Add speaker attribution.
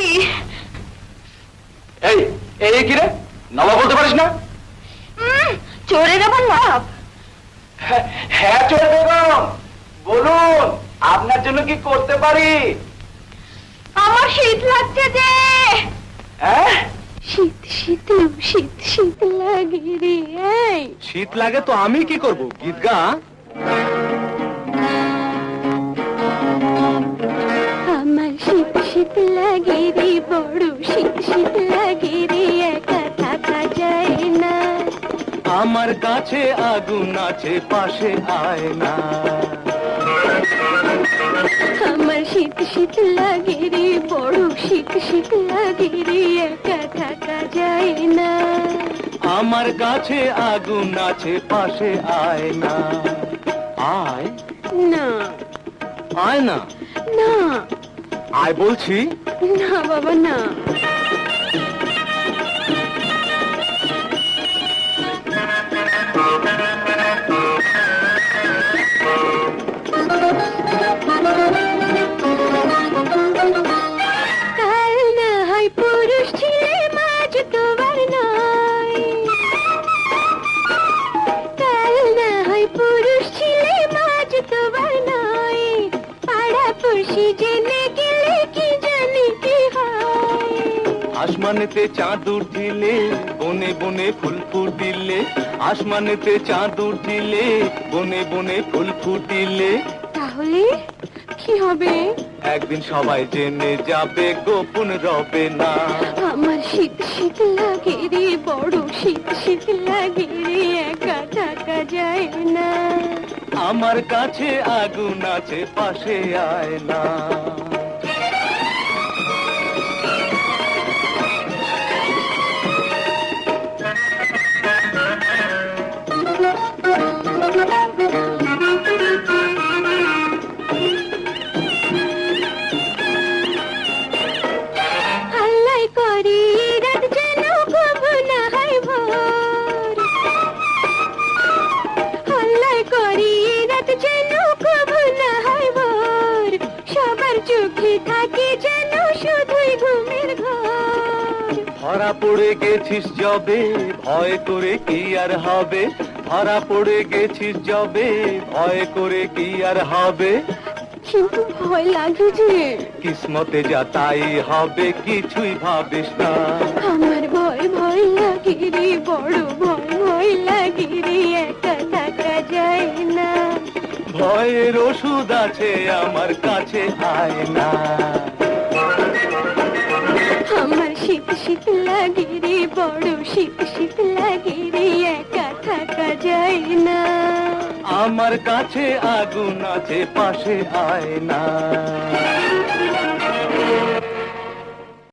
Speaker 1: এই এই কি রে, নবাব বলতে পারিস না?
Speaker 2: চোরের আবার নবাব?
Speaker 1: হ্যাঁ চোর বেগম, বলুন আপনার জন্য কি করতে পারি?
Speaker 2: আমার শীত লাগছে যে।
Speaker 1: হ্যাঁ,
Speaker 2: শীত শীত শীত শীত লাগে রে। এই
Speaker 1: শীত লাগে তো আমি কি করব, গীত গা।
Speaker 2: আমার শীত শীত লাগে রে, বড় শীত শীত লাগে রে, একা থাকা যায় না।
Speaker 1: আমার কাছে আগুন আছে, পাশে আয় না।
Speaker 2: আমার শীত শীত লাগে রে, বড় শীত শীত লাগে রে, একা থাকা যায় না।
Speaker 1: আমার কাছে আগুন আছে, পাশে আয় না। আয়
Speaker 2: না
Speaker 1: আয় না,
Speaker 2: না
Speaker 1: আয় বলছি।
Speaker 2: না বাবা না। কাল না হয় পুরুষ ছিলে, মাঝ তোমার নয়। কাল না হয় পুরুষ ছিলে, মাঝ তোমার নয়। পাড়া পড়শি জেনে গেলে কি জানি কি হয়।
Speaker 1: আসমানেতে চাঁদ উঠিলে, বনে বনে ফুল ফুটিলে। আসমানেতে চাঁদ উঠিলে, বনে বনে ফুল ফুটিলে।
Speaker 2: তাহলে কি হবে?
Speaker 1: একদিন সবাই জেনে যাবে, গোপন রবে না।
Speaker 2: আমার শীত শীত লাগে রে, বড় শীত শীত লাগে রে, একা থাকা যায় না।
Speaker 1: আমার কাছে আগুন আছে, পাশে আয় না।
Speaker 2: হাল্লাই করি রাত যেন কবু না হয় ভোর। হাল্লাই করি রাত যেন কবু না হয় ভোর। সবার চোখে থাকে যেন শুধুই ঘুমের ঘোর।
Speaker 1: ধরা পড়ে গেছিস যবে, ভয় করে কি আর হবে। ধরা পড়ে গেছিস যবে, ভয় করে কি আর হবে।
Speaker 2: কিন্তু ভয় লাগে যে।
Speaker 1: কিসমতে যা তাই হবে, কিছুই ভাবিস না।
Speaker 2: আমার ভয় ভয় লাগে রে, বড় ভয় ভয় লাগে রে, একা থাকা যায় না।
Speaker 1: ভয়ের ওষুধ আছে আমার কাছে, আয় না।
Speaker 2: আমার শীত শীত লাগে রে, বড় শীত শীত লাগে রে, একা থাকা যায় না।
Speaker 1: আমার কাছে আগুন আছে, পাশে আয় না।